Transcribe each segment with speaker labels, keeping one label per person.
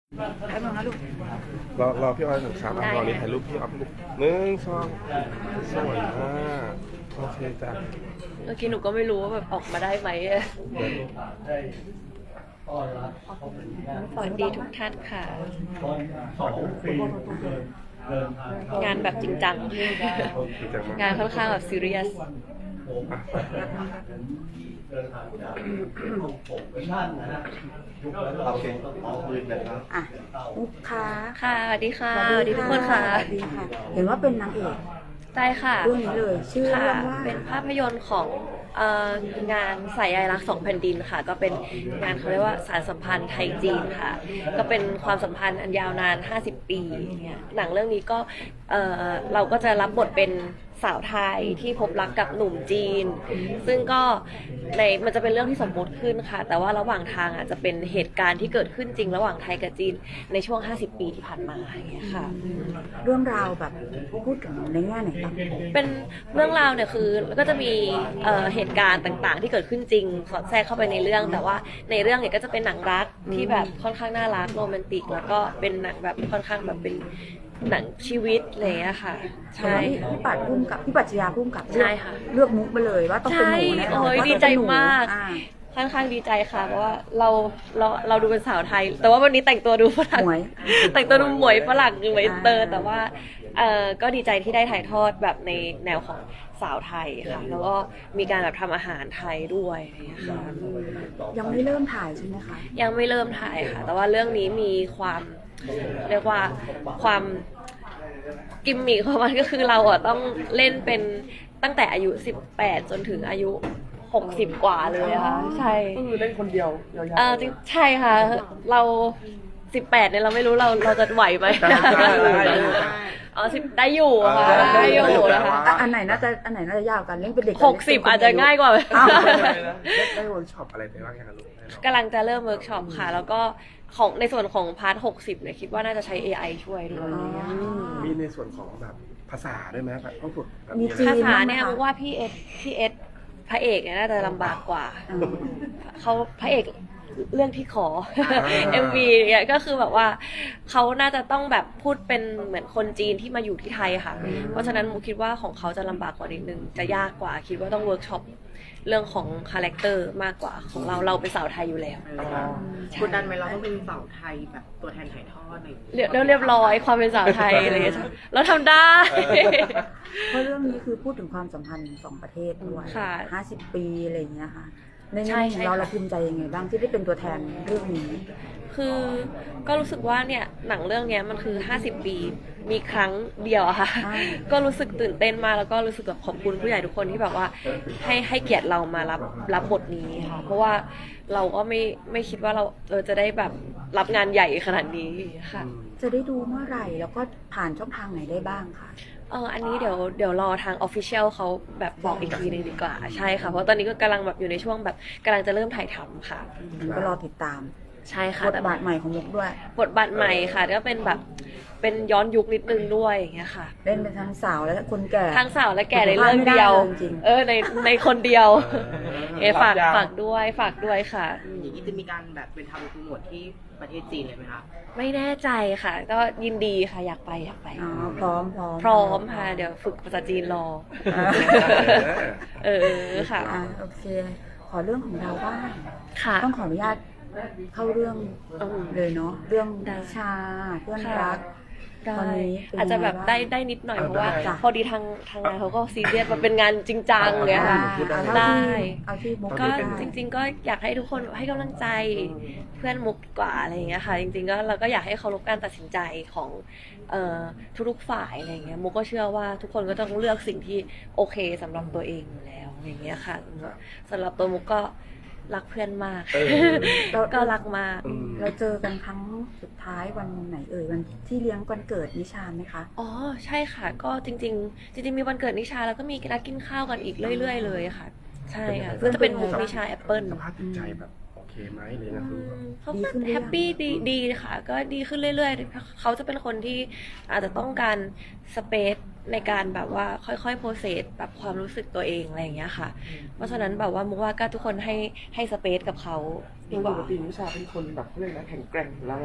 Speaker 1: แป๊บนึงนะลูก
Speaker 2: รอพี่ออยหนึ่งครับรอนี่ถ่ายรูปพี่ออยหนึ่งสองสวยมากโอเคจ้ะ
Speaker 3: เมื่อกี้หนูก็ไม่รู้ว่าแบบออกมาได้ไหมสวัสดีทุกท่านค่ะ งานแบบจริงจัง งานค่อนข้างแบบซีเรียส
Speaker 1: อ่ะลูกค้า
Speaker 3: ค่ะสวัสดีค่ะสวัสดีทุกคนค่ะ
Speaker 1: สวัสดีค่ะ เห็นว่าเป็นนางเอก
Speaker 3: ใช่ค่ะ
Speaker 1: เรื่องนี้เลยชื่อ
Speaker 3: ค่ะ
Speaker 1: เรื่องว่า
Speaker 3: เป็นภาพยนตร์ของงานสายใยรักสองแผ่นดินค่ะ ก็เป็นงานเขาเรียกว่าสารสัมพันธ์ไทยจีนค่ะ ก็เป็นความสัมพันธ์อันยาวนาน50 ปีเนี่ยหนังเรื่องนี้ก็เราก็จะรับบทเป็นสาวไทยที่พบรักกับหนุ่มจีน ซึ่งก็มันจะเป็นเรื่องที่สมมุติขึ้นค่ะ แต่ว่าระหว่างทางจะเป็นเหตุการณ์ที่เกิดขึ้นจริงระหว่างไทยกับจีนในช่วง50 ปีที่ผ่านมาอย่างเงี้ยค่ะ
Speaker 1: เรื่องราวแบบพูดถึงในแง่ไหนบ้าง
Speaker 3: เป็นเรื่องราวเนี่ยคือก็จะมีเหตุการณ์ต่างๆ ที่เกิดขึ้นจริงสอดแทรกเข้าไปในเรื่องแต่ว่าในเรื่องเนี่ยก็จะเป็นหนังรักที่แบบค่อนข้างน่ารักโรแมนติกแล้วก็เป็นหนังแบบค่อนข้างแบบเป็นหนังชีวิตอะไรอย่างเงี้ยค่ะใช่
Speaker 1: พี่ปัดพุ่มกับพี่ปัจจยาพุ่มกับ
Speaker 3: ใช่ค่ะ
Speaker 1: เลือกมุกไปเลยว่าต้องเป็นหนูแน่นอน
Speaker 3: โอ้ย
Speaker 1: ว่า
Speaker 3: ดี
Speaker 1: ต้อง
Speaker 3: ใจ
Speaker 1: เป็นหนู
Speaker 3: มาก
Speaker 1: อ่า
Speaker 3: ค่อนข้างดีใจค่ะเพราะว่าเราดูเป็นสาวไทย แต่ว่าวันนี้แต่งตัวดูฝรั่ง
Speaker 1: หมวย
Speaker 3: แต่งตัวดูหมวยฝรั่งหมวยอินเตอร์ แต่ว่าก็ดีใจที่ได้ถ่ายทอดแบบในแนวของสาวไทยค่ะแล้วก็มีการแบบทำอาหารไทยด้วยอะไรอย่างเงี้ยค่ะ
Speaker 1: ยังไม่เริ่มถ่ายใช่ไหมคะ
Speaker 3: ยังไม่เริ่มถ่ายค่ะ แต่ว่าเรื่องนี้มีความเรียกว่าความกิมมิคของมันก็คือเราต้องเล่นเป็นตั้งแต่อายุ18จนถึงอายุ60 กว่าเลยค่ะใช่
Speaker 2: ก็คือเล่นคนเดียวยาว
Speaker 3: จริงใช่ค่ะ เรา18เนี่ยเราไม่รู้เราจะไหวไหมอ๋อ10ได้อยู่ค่ะได้อยู่นะคะ
Speaker 1: อันไหนน่าจะยากกันเล่นเป็นเด็ก
Speaker 3: 60อาจจะง่ายกว่า
Speaker 1: อ้าว
Speaker 2: ได้เวิร์กช็อปอะไรไปบ้างยังลูก
Speaker 3: กำลังจะเริ่มเวิร์กช็อปค่ะ แล้วก็ของในส่วนของพาร์ท60เนี่ยคิดว่าน่าจะใช้ AI ช่วยด้วย
Speaker 2: มีในส่วนของแบบภาษาด้วยไหมแบบต้องฝึกแบบ
Speaker 1: มีจีน
Speaker 3: ภาษาเนี่ยมุกว่าพี่เอสพระเอกเนี่ยน่าจะลำบากกว่า เขาพระเอกเรื่องที่ขอ MV เนี่ยก็คือแบบว่าเขาน่าจะต้องแบบพูดเป็นเหมือนคนจีนที่มาอยู่ที่ไทยค่ะ เพราะฉะนั้นมุกคิดว่าของเขาจะลำบากกว่านิดนึงจะยากกว่าคิดว่าต้องเวิร์กช็อปเรื่องของคาแรคเตอร์มากกว่าของเราเป็นสาวไทยอยู่แล้ว
Speaker 4: กดดันไหมเราต้องเป็นสาวไทยแบบตัวแทนถ่ายทอดอะไรอย่างเงี้ย
Speaker 3: เรียบร้อยความเป็นสาวไทยอะไรอย่างเงี้ยเราทำได้
Speaker 1: เพราะเรื่องนี้คือพูดถึงความสัมพันธ์สองประเทศด้วย
Speaker 3: ค่ะ
Speaker 1: 50 ปีอะไรอย่างเงี้ยค่ะใน
Speaker 3: ใช่
Speaker 1: แง่
Speaker 3: ใช่
Speaker 1: ของเรา
Speaker 3: ค่ะ
Speaker 1: เราภูมิใจยังไงบ้างที่ได้เป็นตัวแทนเรื่องนี้
Speaker 3: คือก็รู้สึกว่าเนี่ยหนังเรื่องเนี้ยมันคือ50 ปีมีครั้งเดียวอะค่ะ
Speaker 1: อ่า
Speaker 3: ก็รู้สึกตื่นเต้นมากแล้วก็รู้สึกแบบขอบคุณผู้ใหญ่ทุกคนที่แบบว่าให้เกียรติเรามารับบทนี้ค่ะ เพราะว่าเราก็ไม่คิดว่าเราจะได้แบบรับงานใหญ่ขนาดนี้ค่ะ
Speaker 1: จะได้ดูเมื่อไหร่แล้วก็ผ่านช่องทางไหนได้บ้างคะ
Speaker 3: อันนี้เดี๋ยวรอทาง Official เขาแบบบอกอีกทีนึงดีกว่าใช่ค่ะเพราะตอนนี้ก็กำลังแบบอยู่ในช่วงแบบกำลังจะเริ่มถ่ายทำค่ะ
Speaker 1: ก็รอติดตาม
Speaker 3: ใช่ค่ะ
Speaker 1: บทบาทใหม่ของมุกด้วย
Speaker 3: บทบาทใหม่ค่ะก็เป็นแบบเป็นย้อนยุคนิดนึงด้วยอย่างเงี้ยค่ะ
Speaker 1: เล่นเป็นทั้งสาวและคนแก่
Speaker 3: ทั้งสาวและแก่ในเรื่องเดียว
Speaker 1: จริง
Speaker 3: ในคนเดียวฝากด้วยค่ะ
Speaker 4: อย่างนี้จะมีการแบบเป็นทำโปรโมทที่ประเทศจีนเลยไหมคะ
Speaker 3: ไม่แน่ใจค่ะ ก็ยินดีค่ะอยากไป
Speaker 1: อ๋อพร้อม
Speaker 3: พร้อมค่ะเดี๋ยวฝึกภาษาจีนรอค่ะ
Speaker 1: โอเค ขอเรื่องของเราบ้าง
Speaker 3: ค่ะ
Speaker 1: ต้องขออนุญาตเข้าเรื่อง
Speaker 3: อืม
Speaker 1: เลยเนาะเรื่อง
Speaker 3: ได้
Speaker 1: วิชาเพื่อน
Speaker 3: ค่ะ
Speaker 1: รัก ตอนนี้เป็น
Speaker 3: อาจจะแบบ
Speaker 1: ยังไง
Speaker 3: ได้
Speaker 1: บ้าง
Speaker 3: ได้นิดหน่อยเพราะว่า
Speaker 1: จ้ะ
Speaker 3: พอดีทางงานเขาก็ซีเรียสมันเป็นงานจริงจังเงี้ยค่ะ ได้
Speaker 1: เอาที่มุก
Speaker 3: ก็
Speaker 1: ได้
Speaker 3: จริงๆก็อยากให้ทุกคนให้กำลังใจเพื่อนมุกดีกว่าอะไรอย่างเงี้ยค่ะ จริงๆก็เราก็อยากให้เคารพการตัดสินใจของทุกๆฝ่ายอะไรอย่างเงี้ยมุกก็เชื่อว่าทุกคนก็ต้องเลือกสิ่งที่โอเคสำหรับตัวเองอยู่แล้วอย่างเงี้ยค่ะสำหรับตัวมุกก็รักเพื่อนมาก ก็รักมาก
Speaker 1: เราเจอกันครั้งสุดท้ายวันไหนเอ่ยวันที่เลี้ยงวันเกิดนิชาไหมคะ
Speaker 3: อ๋อใช่ค่ะ ก็จริงๆมีวันเกิดนิชาแล้วก็มีนัดกินข้าวกันอีกเรื่อยๆเลยค่ะ ใช่ค่ะก็จะเป็นมุกนิชาแอปเปิล
Speaker 2: สภาพจิตใจแบบโอเคไหมเลยนะคือ
Speaker 3: เขา
Speaker 1: ดี
Speaker 3: ก็
Speaker 1: ขึ้นหรือยัง
Speaker 3: แฮปปี้ดีค่ะ ก็ดีขึ้นเรื่อยๆเขาจะเป็นคนที่อาจจะต้องการสเปซในการแบบว่าค่อยๆโปรเซสแบบความรู้สึกตัวเองอะไรอย่างเงี้ยค่ะ เพราะฉะนั้นแบบว่ามุกว่าก็ทุกคนให้สเปซกับเขาดีก
Speaker 5: ป
Speaker 3: ว่า
Speaker 5: กตินิชาเป็นคนแบบเขาเรียกนะแข็งแกร่งอยู่แล้วนะคะ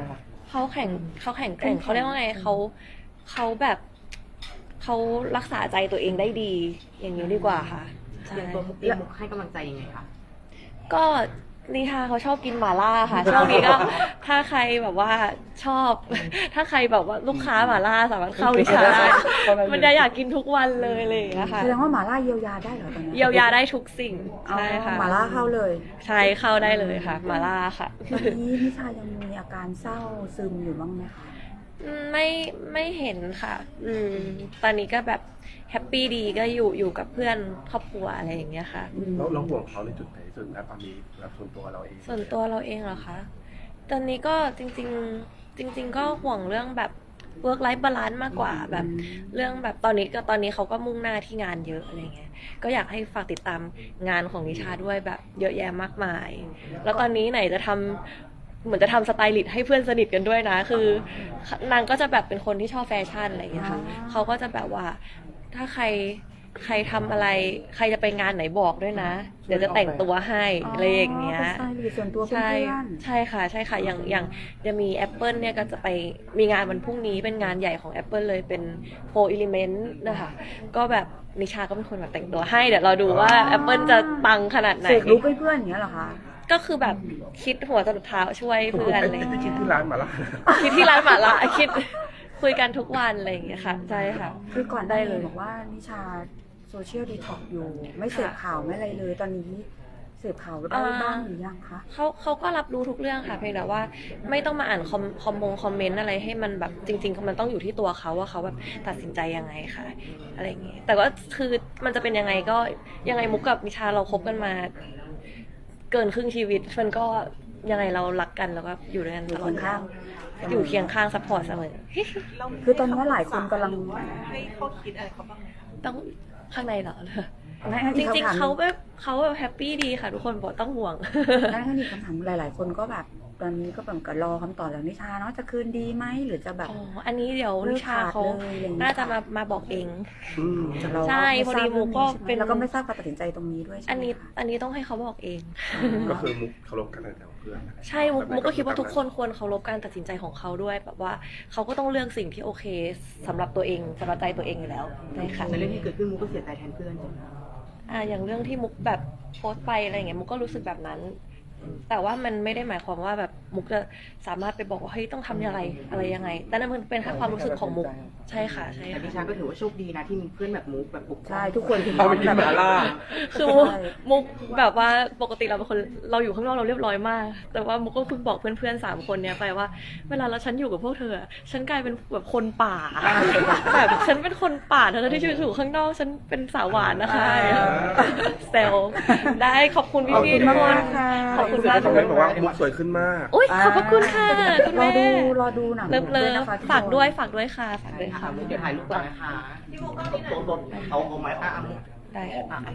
Speaker 3: เขาแข็งแกร่งเขาเรียกว่าไงเขาแบบเขารักษาใจตัวเองได้ดี อย่างนี้ดีกว่าค่ะใช่
Speaker 4: อย่างตัวมุกเองมุกให้กำลังใจยังไงคะ
Speaker 3: ก็นิทาเขาชอบกินหม่าล่าค่ะ ช่วงนี้ก็ถ้าใครแบบว่าชอบ ถ้าใครแบบว่าลูกค้าหม่าล่าสามารถเข้านิทาได้มันจะอยากกินทุกวันเลยอะไรอย่างเลยค่ะ
Speaker 1: แสดงว่าหมาล่าเยียวยาได้เหรอตอนนี้
Speaker 3: เยียวยาได้ทุกสิ่งใช่ค่ะ
Speaker 1: หมาล่าเข้าเลย
Speaker 3: ใช่เข้าได้เลยค่ะหม่าล่าค่ะ
Speaker 1: ตอนนี้นิชายังมีอาการเศร้าซึมอยู่บ้างไหมคะ
Speaker 3: ไม่เห็นค่ะ ตอนนี้ก็แบบแฮปปี้ดีก็อยู่กับเพื่อนครอบครัวอะไรอย่างเงี้ยค่ะ
Speaker 2: เราห่วงเขาในจุดไหนส่วนตอนนี้แบบส่วนตัวเราเอง
Speaker 3: ส่วนตัวเราเองเหรอคะ ตอนนี้ก็จริง ๆ ก็ห่วงเรื่องแบบ work life balance มากกว่าแบบเรื่องแบบตอนนี้เขาก็มุ่งหน้าที่งานเยอะอะไรเงี้ย ก็อยากให้ฝากติดตามงานของนิชาด้วยแบบเยอะแยะมากมาย แล้วตอนนี้ไหนจะทำเหมือนจะทำสไตลิสต์ให้เพื่อนสนิทกันด้วยนะ คือนางก็จะแบบเป็นคนที่ชอบแฟชั่นอะไรอย่างเงี้ยค่ะเขาก็จะแบบว่าถ้าใครทำอะไรใครจะไปงานไหนบอกด้วยนะ เดี๋ยวจะแต่งตัวให้อะไรอย่างเงี้ย
Speaker 1: เป็นสไตล์ส่วนตัวเพื่
Speaker 3: ใช่
Speaker 1: อน
Speaker 3: ใช่ค่ะอย่างจะมี Apple เนี่ยก็จะไปมีงานวันพรุ่งนี้เป็นงานใหญ่ของ Apple เลยเป็น 4 Element นะคะก็แบบนิชาก็เป็นคนแบบแต่งตัวให้เดี๋ยวเราดูว่า Apple จะปังขนาดไหน
Speaker 1: เสกลุกให้เพื่อนอย่างเงี้ยเหรอคะ
Speaker 3: ก็คือแบบคิดหัวจรดเท้าช่วยเพื่อนอะไรอย่าง
Speaker 2: คิด
Speaker 3: เงี้ย
Speaker 2: ที่ร้านมาละ
Speaker 3: คิดที่ร้านหมาล่าคิดคุยกันทุกวันอะไรอย่างเงี้ยค่ะใช่ค่ะ
Speaker 1: คือก่อนได้เลยบอกว่านิชาโซเชียลดีท็อกอยู่ ไม่เสพข่าวไม่อะไรเลย ตอนนี้เสพข่าวได้บ้างหรือยังคะ
Speaker 3: เขาก็รับรู้ทุกเรื่องค่ะเพียงแต่ว่าไม่ต้องมาอ่านคอมเมนต์อะไรให้มันแบบจริงๆมันต้องอยู่ที่ตัวเขาว่าเขาแบบตัดสินใจยังไงค่ะอะไรอย่างเงี้ยแต่ว่าคือมันจะเป็นยังไงก็ยังไงมุกกับนิชาเราคบกันมา เกินครึ่งชีวิตมันก็ยังไงเรารักกันแล้วก็อยู่ด้วยกันตลอด
Speaker 1: อยู่เคียงข้าง
Speaker 3: อยู่เคียงข้างซัพพอร์ตเสมอ
Speaker 1: คือตอนนี้หลายคนกำลัง
Speaker 4: ให้เขาคิดอะไรเขาบ้างไหมคะ
Speaker 3: ต้องข้างในเหรอ
Speaker 1: งั้น
Speaker 3: จ
Speaker 1: อีก
Speaker 3: ริง
Speaker 1: คำถาม
Speaker 3: ๆเขาแบบแฮปปี้ดีค่ะ ทุกคนบอกต้องห่วง
Speaker 1: งั้นอีกคำถามหลาย ๆ คนก็แบบตอนนี้ก็แบบก็รอคำตอบจากนิชาเนาะจะคืนดีไหมหรือจะแบบ
Speaker 3: อ๋อ อันนี้เดี๋ยวนิชาเขา
Speaker 1: เลิกขาดเลยอะไรอย่างเงี้ย
Speaker 3: น่าจะมาบอกเอง
Speaker 1: เรา
Speaker 3: ใช่พอดีมุกก็เป็น
Speaker 1: แล้วก็ไม่ทราบการตัดสินใจตรงนี้ด้วยใช่
Speaker 3: อัน
Speaker 1: ไหม
Speaker 3: นี้
Speaker 1: คะ
Speaker 3: อันนี้ต้องให้เขาบอกเอง
Speaker 2: ก็คือมุกเคารพกันในแถวเพื่อน
Speaker 3: ใช่มุกก็คิดว่าทุกคนควรเคารพการตัดสินใจของเขาด้วยแบบว่าเขาก็ต้องเลือกสิ่งที่โอเคสำหรับตัวเองสำหรับใจตัวเองอยู่แล้วใช่ค่ะ
Speaker 4: ในเรื่องที่เกิดขึ้นมุกก็เสียใจแทนเพื่อนใช่ไหมคะ
Speaker 3: อย่างเรื่องที่มุกแบบโพสต์ไปอะไรอย่างเงี้ยมุกก็รู้สึกแบบนั้น แต่ว่ามันไม่ได้หมายความว่าแบบมุกจะสามารถไปบอกว่าเฮ้ยต้องทำอะไรยังไง แต่นั่นมันเป็นแค่ความรู้สึกของมุกใช่ค่ะใช่
Speaker 4: แต่
Speaker 3: ค่ะ
Speaker 4: นิชาก็ถือว่าโชคดีนะที่มีเพื่อนแบบมุกแบบบุก
Speaker 1: ใช่ทุกคนถึง
Speaker 2: เอาไปกินหมาล่า
Speaker 3: คือมุกแบบว่าปกติเราเป็นคนเราอยู่ข้างนอกเราเรียบร้อยมาก แต่ว่ามุกก็เพิ่งบอกเพื่อนๆ3 คนเนี้ยไปว่าเวลาฉันอยู่กับพวกเธอฉันกลายเป็นแบบคนป่าแบบฉันเป็นคนป่าเธอที่อยู่ข้างนอกฉันเป็นสาวหวานนะคะเซลได้ขอบคุณพี่ๆทุกคนขอบคุณมาก
Speaker 2: คอมเมนต์บอกว่ามุกสวยขึ้นมาก
Speaker 3: อุ้ยขอบพระคุณค่ะคุณ
Speaker 1: รอ
Speaker 3: แม่
Speaker 1: ดูหนัง
Speaker 3: เลิฟ
Speaker 1: ด้วยนะคะ
Speaker 3: ฝากด้วยค่ะฝากด้วยค่ะ
Speaker 4: ค่ะมุกเดี๋ยวถ่ายรูปก่อนนะคะที่มุกก็มีนะเอาไม้ค่ะ
Speaker 3: ได้ค่ะ